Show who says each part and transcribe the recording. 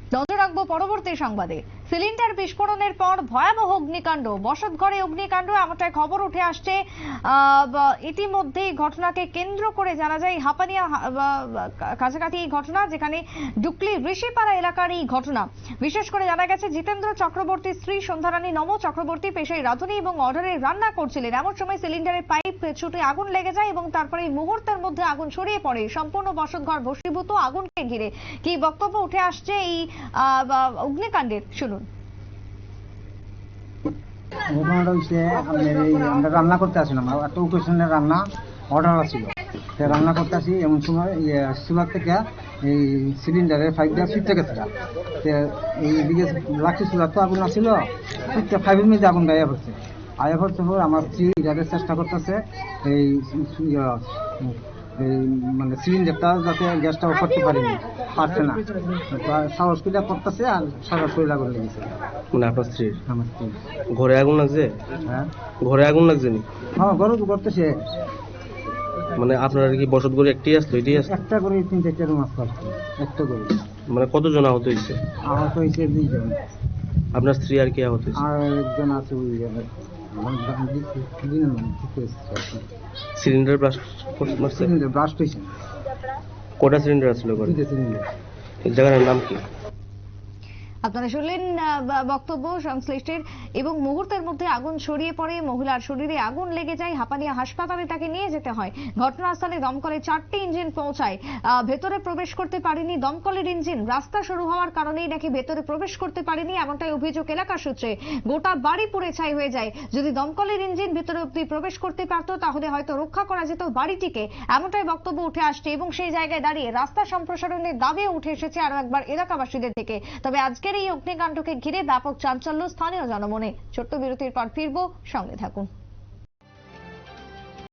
Speaker 1: নজর রাখবো পরবর্তী সংবাদে। সিলিন্ডার বিস্ফোরণের পর ভয়াবহ অগ্নিকাণ্ড, বসতঘরে অগ্নিকাণ্ড, এমনটাই খবর উঠে আসছে। ইতিমধ্যেই ঘটনাকে কেন্দ্র করে জানা যায় হাপানিয়া কাছাকাছি এই ঘটনা, যেখানে ডুকলি ঋষিপাড়া এলাকার এই ঘটনা। বিশেষ করে জানা গেছে জিতেন্দ্র চক্রবর্তীর স্ত্রী সন্ধ্যারানী নম চক্রবর্তী পেশায় রাঁধুনি এবং অর্ডারে রান্না করছিলেন। এমন সময় সিলিন্ডারের পাইপ ছুটে আগুন লেগে যায় এবং তারপরে মুহূর্তের মধ্যে আগুন ছড়িয়ে পড়ে। সম্পূর্ণ বসতঘর ভস্মীভূত। আগুনকে ঘিরে কি বক্তব্য উঠে আসছে এই অগ্নিকাণ্ডের, শুনুন।
Speaker 2: ঘটনাটা হচ্ছে আমরা রান্না করতে আসলাম, একটা ওকেশনের রান্না অর্ডার ছিল। রান্না করতে আসি এমন সময় চুলার থেকে এই সিলিন্ডারের পাইপটা ছিটতে গেছে। এইদিকে লাঠি চুলার তো আগুন আসছিল, ফাইভের মধ্যে আগুন গায়ে পড়ছে। আয়া পড়তে পর আমার স্ত্রী যাদের চেষ্টা করতেছে এই মানে সিলিন্ডারটা যাতে গ্যাসটা অফ করতে পারছে না, সাহস করে করতেছে আর সারা শরীর আগুন লেগেছে।
Speaker 3: মানে আপনার স্ত্রীর?
Speaker 2: আমার স্ত্রী।
Speaker 3: ঘরে আগুন লাগছে?
Speaker 2: হ্যাঁ,
Speaker 3: ঘরে আগুন লাগছে নি?
Speaker 2: হ্যাঁ, ঘরে তো করতেছে।
Speaker 3: মানে আপনার কি বসত ঘরে একটাই আসতো? এটাই আসতো?
Speaker 2: একটা করে 3-4টা রুম আসতো, একটা করে।
Speaker 3: মানে কতজন আহত হয়েছে?
Speaker 2: আহত হয়েছে 2 জন।
Speaker 3: আপনার স্ত্রী আর কি আহত হয়েছে?
Speaker 2: আর একজন আছে ওই
Speaker 3: সিলিন্ডার ব্লাস্ট মারছে?
Speaker 2: সিলিন্ডার ব্লাস্ট হয়েছে।
Speaker 3: কটা সিলিন্ডার আসলো ঘরে?
Speaker 2: 2টা সিলিন্ডার।
Speaker 3: এই জায়গাটার নাম কি?
Speaker 1: আপনারা শুনলেন বক্তব্য সংশ্লিষ্টের। এবং মুহূর্তের মধ্যে আগুন ছড়িয়ে পড়ে, মহিলার শরীরে আগুন লেগে যায়। হাপানিয়া হাসপাতালে তাকে নিয়ে যেতে হয়। ঘটনাস্থলে দমকলে 4টি ইঞ্জিন পৌঁছায়। ভেতরে প্রবেশ করতে পারেনি দমকলের ইঞ্জিন। রাস্তা শুরু হওয়ার কারণেই নাকি ভেতরে প্রবেশ করতে পারেনি, এমনটাই অভিযোগ এলাকা সূত্রে। গোটা বাড়ি পুড়ে ছাই হয়ে যায়। যদি দমকলের ইঞ্জিন ভেতরে অব্দি প্রবেশ করতে পারতো তাহলে হয়তো রক্ষা করা যেত বাড়িটিকে, এমনটাই বক্তব্য উঠে আসছে। এবং সেই জায়গায় দাঁড়িয়ে রাস্তা সম্প্রসারণের দাবিও উঠে এসেছে আরো একবার এলাকাবাসীদের থেকে। তবে আজকের এই অগ্নিকাণ্ডকে ঘিরে ব্যাপক চাঞ্চল্য স্থানীয় জনমনে। ছোট্ট বিরতির পর ফিরবো, সঙ্গে থাকুন।